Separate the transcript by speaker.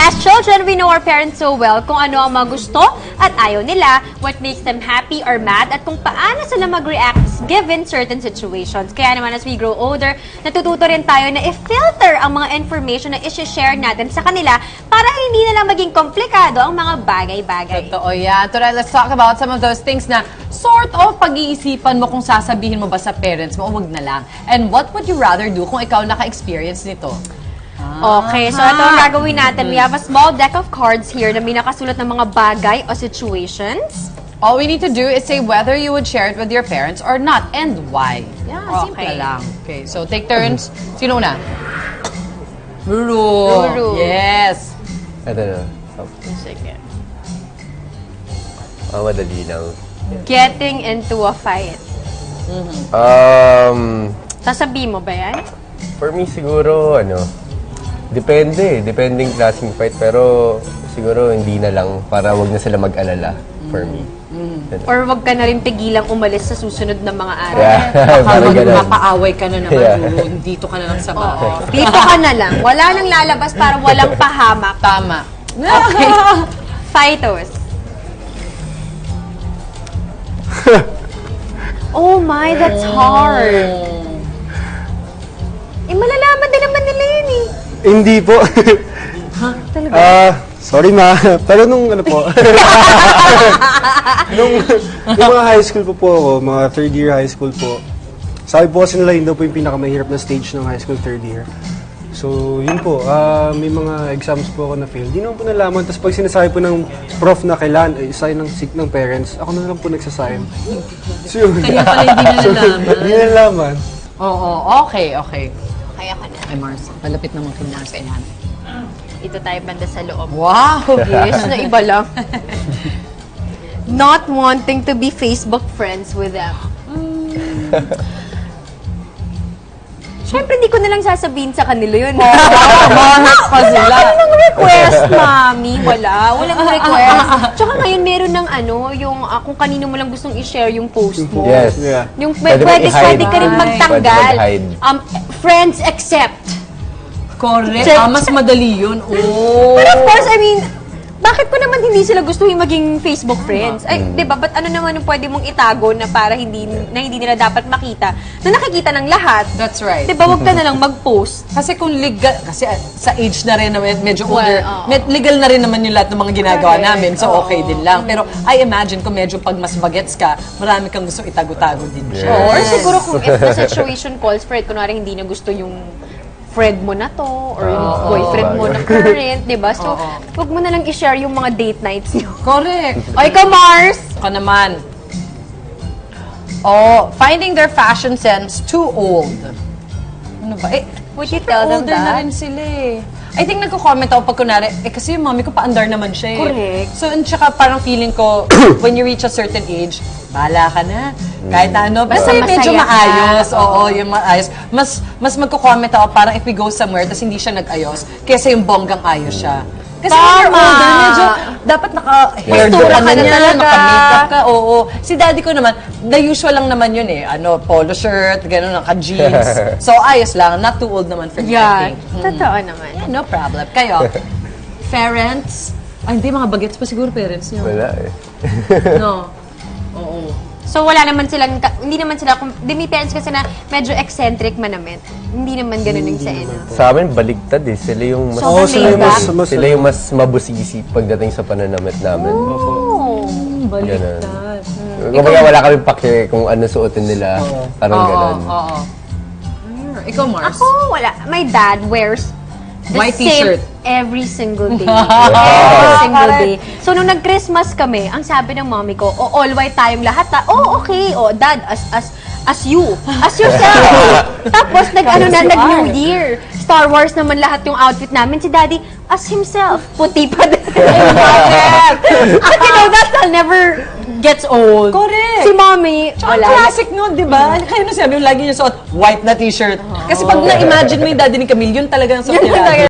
Speaker 1: As children, we know our parents so well kung ano ang mga gusto at ayaw nila, what makes them happy or mad, at kung paano sila mag-react given certain situations. Kaya naman as we grow older, natututo rin tayo na i-filter ang mga information na isi-share natin sa kanila para hindi na lang maging komplikado ang mga bagay-bagay.
Speaker 2: Totoo yan. Tara, let's talk about some of those things na sort of pag-iisipan mo kung sasabihin mo ba sa parents mo o wag na lang. And what would you rather do kung ikaw naka-experience nito?
Speaker 1: Okay, so ito ang gagawin natin. We have a small deck of cards here na may nakasulat ng mga bagay o situations.
Speaker 2: All we need to do is say whether you would share it with your parents or not and why. Yeah, simple
Speaker 1: Okay.
Speaker 2: lang. Okay, so take turns. Sino una? Ruru.
Speaker 1: Ruru.
Speaker 2: Yes.
Speaker 3: Ito na.
Speaker 1: Sige.
Speaker 3: Madali lang.
Speaker 1: Getting into a fight. Sasabihin mo ba yan?
Speaker 3: For me siguro, depende. Depending klaseng fight. Pero siguro hindi na lang para wag na sila mag-alala for me.
Speaker 1: Or wag ka na rin pigilang umalis sa susunod na mga araw?
Speaker 3: Yeah, parang ganun.
Speaker 2: Mapaaway ka na naman,
Speaker 3: Yeah.
Speaker 2: Ruru. Dito ka na lang sa bahay.
Speaker 1: Dito ka na lang. Wala nang lalabas para walang pahamak.
Speaker 2: Tama.
Speaker 1: Okay. Fightos. Oh my, that's hard. Malalaman din naman nila yun eh.
Speaker 4: Hindi po.
Speaker 1: Talaga?
Speaker 4: Sorry ma. Pero nung nung mga high school po ako, mga third year high school po, sabi po kasi nila yun daw po yung pinakamahirap na stage ng high school third year. So, yun po. May mga exams po ako na fail. Di naman po nalaman. Tapos pag sinasabi po ng prof na kailan, sign ng sick ng parents, ako na lang po nagsasign. So, yun.
Speaker 2: Kaya pala hindi na nalaman.
Speaker 4: Hindi nalaman.
Speaker 2: Oo, okay.
Speaker 1: Kaya ka na.
Speaker 2: Ay, Mars. Malapit naman kay Mars. Ayan.
Speaker 1: Ito tayo banda sa loob.
Speaker 2: Wow!
Speaker 1: Yes, na iba lang. Not wanting to be Facebook friends with them. Siyempre, hindi ko na lang sasabihin sa kanila yun.
Speaker 2: Mahanap pa sila.
Speaker 1: Anong request, mami? Walang request. Tsaka ngayon, meron ng yung kung kanino mo lang gustong i-share yung post mo.
Speaker 3: Yes.
Speaker 4: Yeah.
Speaker 1: Yung
Speaker 3: Pwede
Speaker 1: pwede
Speaker 3: mag-hide.
Speaker 1: ka rin magtanggal.
Speaker 3: Pwede mag-hide.
Speaker 1: Friends accept.
Speaker 2: Correct.
Speaker 1: Check.
Speaker 2: Mas madali yun. Oh.
Speaker 1: But of course, I mean, bakit ko naman hindi sila gusto yung maging Facebook friends? Ay, di ba? Ba't ano naman yung pwede mong itago na para hindi nila dapat makita na nakikita ng lahat?
Speaker 2: That's right.
Speaker 1: Di ba? Huwag ka na lang mag-post.
Speaker 2: Kasi kung legal, kasi sa age na rin naman, medyo older,
Speaker 1: oo.
Speaker 2: legal na rin naman yung lahat ng mga ginagawa
Speaker 1: Correct.
Speaker 2: namin. So, okay din lang. Pero I imagine kung medyo pag mas bagets ka, marami kang gusto itago-tago din siya.
Speaker 3: Yes.
Speaker 1: Or siguro kung if the situation calls for it, kunwari hindi na gusto yung friend mo na to, or yung boyfriend mo na current, di ba? So, huwag mo na lang i-share yung mga date nights niyo.
Speaker 2: Correct.
Speaker 1: O, ikaw, Mars!
Speaker 2: Ako naman. Oh, finding their fashion sense too old. Ano ba?
Speaker 1: Would you tell them
Speaker 2: older na
Speaker 1: that?
Speaker 2: rin sila eh. I think nagko-comment ako pag kunwari, kasi yung mami ko paandar naman siya eh.
Speaker 1: Correct.
Speaker 2: So, and tsaka parang feeling ko, when you reach a certain age, bahala ka na. Kahit na ano, basta yung medyo
Speaker 1: masaya ka.
Speaker 2: maayos. Oo, yung maayos. Mas magko-comment ako parang if we go somewhere, tapos hindi siya nag-ayos, kesa yung bonggang ayos siya. Kasi when you're
Speaker 1: Tama.
Speaker 2: older, medyo dapat naka-hairdo
Speaker 1: Postura
Speaker 2: ka
Speaker 1: ka
Speaker 2: na
Speaker 1: na
Speaker 2: niya,
Speaker 1: talaga.
Speaker 2: naka-makeup ka, oo. Si daddy ko naman, the usual lang naman yun eh. Polo shirt, gano'n, naka-jeans. So, ayos lang. Not too old naman for me, I
Speaker 1: Yeah,
Speaker 2: think.
Speaker 1: totoo naman.
Speaker 2: Yeah, no problem. Kayo, parents? Ay, hindi, mga bagets pa siguro parents niyo.
Speaker 3: Wala eh.
Speaker 2: No. Oo.
Speaker 1: So, wala naman silang, hindi naman sila, may parents kasi na medyo eccentric man naman. Hindi naman ganun yung sa inyo.
Speaker 3: Sa amin, baligtad eh. Sila yung mas,
Speaker 1: So,
Speaker 4: sila yung
Speaker 1: laid back?
Speaker 3: sila yung mas mabusisi pagdating sa pananamit namin.
Speaker 1: Oh.
Speaker 3: Ganun. Kumbaga wala kami pake kung ano suotin nila. Parang ganun.
Speaker 2: Oo. Ikaw, Mars?
Speaker 1: Ako, wala. My dad wears the
Speaker 2: White
Speaker 1: same
Speaker 2: t-shirt.
Speaker 1: every single day. Every single day. So, nung nag-Christmas kami, ang sabi ng mommy ko, all white tayong lahat. Okay. Dad, as you. As yourself. Tapos, nag-New Year. Star Wars naman lahat yung outfit namin. Si daddy, as himself. Puti pa din. But you know, that style never gets old.
Speaker 2: Correct.
Speaker 1: Si mommy,
Speaker 2: Ang
Speaker 1: wala.
Speaker 2: classic nun, di ba? Kaya nung sabi yung lagi niya suot, white na t-shirt. Kasi pag na-imagine mo yung daddy ni Camille, yun talaga ang suot
Speaker 1: Yun
Speaker 2: niya.
Speaker 1: talaga.